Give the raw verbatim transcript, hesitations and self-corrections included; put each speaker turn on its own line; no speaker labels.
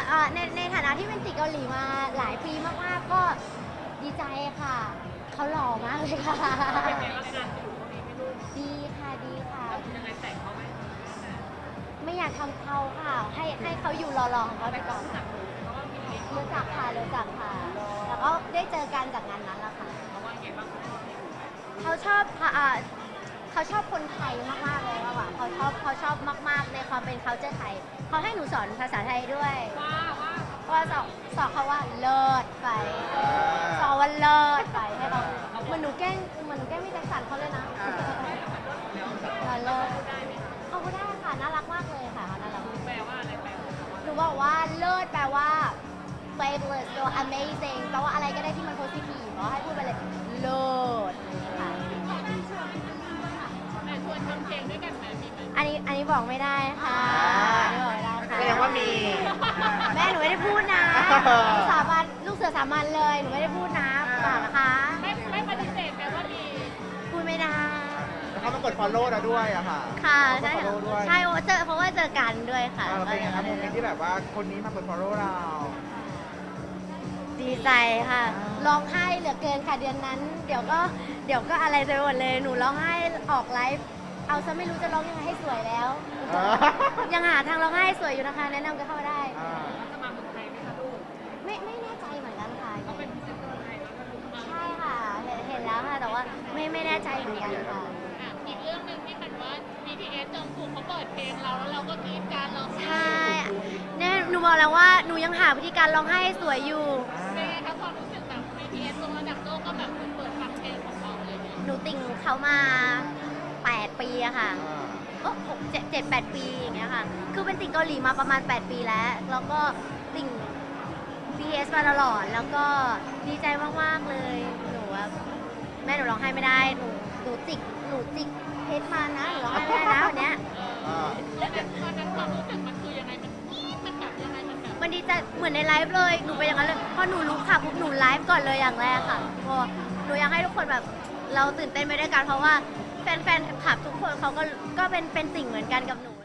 เอ่อในในฐานะที่เป็นติดเกาหลีมาหลายปีมากๆก็ดีใจค่ะ เขาหล่อมากเลยค่ะ
เป็นไงบ้างงานอยู่ตรงนี้ไม่รู้
ดีค่ะดีค่ะ
แล้วยังไงแต่งเขาไหม
ไม่อยากทำเขาค่ะ ให้ให้เขาอยู่หล่อๆของเขาไป
แต่
ก่
ก็
อน
รู้จักอยู่เพราะว่ามีเล็ก
รู้จักค่ะรู้จักค่ะ แล้วก็ได้เจอกันจากงานนั้นแหละค่ะ
เขาว่าไงบ้าง
เขาชอบค่ะอ่าเขาชอบคนไทยมากๆเลยว่ะเขาชอบเขาชอบมากๆในความเป็น culture ไทย เขาให้หนูสอนภาษาไทยด้วย
ว่าว่า
ว่าสอนสอนเขาว่าเลิศไปสอนว่าเลิศไปให้เขาเหมือนหนูแกล้งเหมือนหนูแกล้งพี่แจ็คสันเขาเลยนะเราเลิศ
ได้ไหมคะ
เขาก็ได้ค่ะน่ารักมากเลยค่ะน่ารัก
แปลว่าอะไรแปลว่า
หนูบอกว่าเลิศแปลว่า fabulous ตัว amazing แปลว่าอะไรก็ได้ที่มัน positive เพราะให้พูดไปเลยเลิศค่ะ
แต่ชวนทำเพลงด้วยกันไหมมีไหม
อันนี้อันนี้บอกไม่ได้ค่ะอันนี้บอกไม่ได้ค่ะ
แสดงว่ามี
แม่หนูไม่ได้พูดนะสาบานลูกเสือสามัญเลยหนูไม่ได้พูดนะเปล่านะคะ
ไม่ไม่ปฏิเสธแปลว่ามี
พูดไม่ได้
แล้วเขามากด follow เราด้วยอะค่ะ
ค่ะ
เขา
ใช่
กด follow ด้วย
ใช่เพราะว่าเจอเพราะว่าเจอกันด้วยค่ะ
อ่าเป็นไงครับโมเมนต์ที่แบบว่าคนนี้มากด follow เรา
ดีใจค่ะร้องไห้เหลือเกินค่ะเดือนนั้น เดี๋ยวก็เดี๋ยวก็อะไรไปหมดเลยหนูร้องไห้ออกไลฟ์เอาซะไม่รู้จะร้องยังไงให้สวยแล้ว
อ่า
ยังหาทางร้องไห้สวยอยู่นะคะ แนะนำกันเข้ามาได้
อ่า
จะมาเมืองไทยไหมคะลูก
ไม่ไม่แน่ใจเหมือนกันค่ะ
เขาเป็นพรีเซนเตอร์ไทยแล้วก็ลูกมา
ใช่ค่ะเห็นเห็นแล้วค่ะ แต่ว่าไม่ไม่แน่ใจเหมือนกันค่ะ
อ่ะอีกเรื่องหนึ่งที่มันว่า บี ที เอส จงกุกเขาเปิดเพลงเราแล้วเราก็กรี๊ดการร้องไห้
ใช่เนี่ยหนูบอกแล้วว่าหนูยังหาวิธีการร้องไห้ให้สวยอยู่
เป็นไงคะความรู้สึกแบบ บี ที เอส ลงระดับโลกก็แบบเปิดฟังเพลงของเราอะไรอย่างเงี้ย
หนูติ่งเขามาแปดปีอะค่ะ
อ่า
โอ้หกเจ็ดเจ็ดแปดปีอย่างเงี้ยค่ะ คือเป็นติ่งเกาหลีมาประมาณแปดปีแล้ว แล้วก็ติ่ง บี ที เอส มาตลอด แล้วก็ดีใจมากๆเลย หนูว่าแม่หนูร้องไห้ไม่ได้ หนูหนูจิก หนูจิกเพชรมานะ หนูร้องไห้ไม่ได้นะวันเนี้ย
อ่า
แล้วตอนนั้นความรู้สึกมันคือยังไงมันกรี๊ดมันแบบยังไงมันแบบ
มันดีใจเหมือนในไลฟ์เลย หนูเป็นอย่างนั้นเลย พอหนูรู้ค่ะปุ๊บหนูไลฟ์ก่อนเลยอย่างแรกค่ะพอหนูอยากให้ทุกคนแบบเราตื่นเต้นไปด้วยกันเพราะว่าแฟนๆคลับทุกคนเขาก็ก็เป็นเป็นสิ่งเหมือนกันกับหนู